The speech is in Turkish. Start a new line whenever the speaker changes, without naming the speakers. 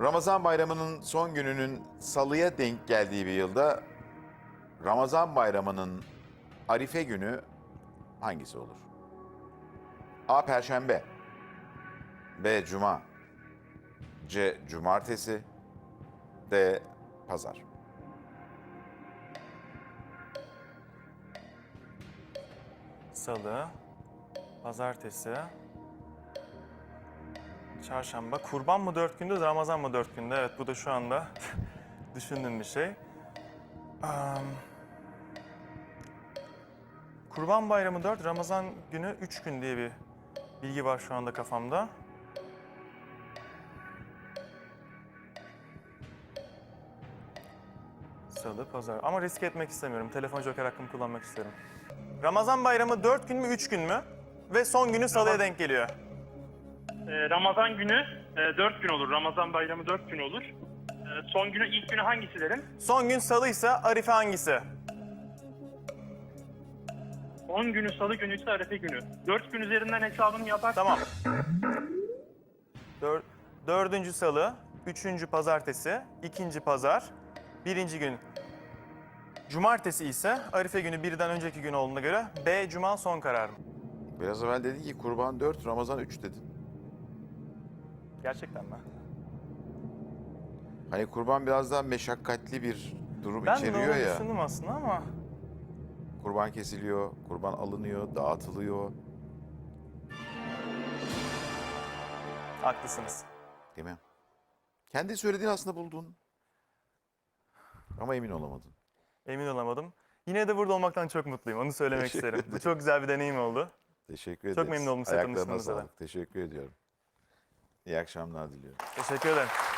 Ramazan bayramının son gününün salıya denk geldiği bir yılda Ramazan bayramının Arife günü hangisi olur? A. Perşembe, B. Cuma, C. Cumartesi, D. Pazar.
Salı, pazartesi, çarşamba. Kurban mı 4 günde, Ramazan mı 4 günde? Evet, bu da şu anda düşündüğüm bir şey. Kurban bayramı 4, Ramazan günü 3 gün diye bir bilgi var şu anda kafamda. Salı, pazar. Ama risk etmek istemiyorum. Telefon joker hakkımı kullanmak isterim. Ramazan bayramı 4 gün mü, 3 gün mü? Ve son günü salıya denk geliyor.
Ramazan günü 4 gün olur. Ramazan bayramı 4 gün olur. Son günü, ilk günü hangisi derim?
Son gün salıysa Arife hangisi?
10 günü salı günü ise Arefe günü. 4 gün üzerinden hesabını yaparsan
Tamam. Dördüncü salı, üçüncü pazartesi, ikinci pazar, birinci gün cumartesi ise Arife günü birden önceki gün olduğuna göre B. Cuma son kararım.
Biraz evvel dedin ki kurban 4, Ramazan 3 dedin.
Gerçekten mi?
Hani kurban biraz daha meşakkatli bir durum
Ben de
içeriyor
onu
ya.
düşündüm aslında ama
Kurban kesiliyor, kurban alınıyor, dağıtılıyor.
haklısınız.
Değil mi? Kendi söylediğin aslında buldun. Ama emin olamadın.
Emin olamadım. Yine de burada olmaktan çok mutluyum. Onu söylemek
Teşekkür
isterim. Bu
ederim.
çok güzel bir deneyim oldu.
Teşekkür ederiz.
Çok memnun oldum size
Ayaklarına
tanıştığımıza da.
sağlık. Teşekkür ediyorum. İyi akşamlar diliyorum.
Teşekkür ederim.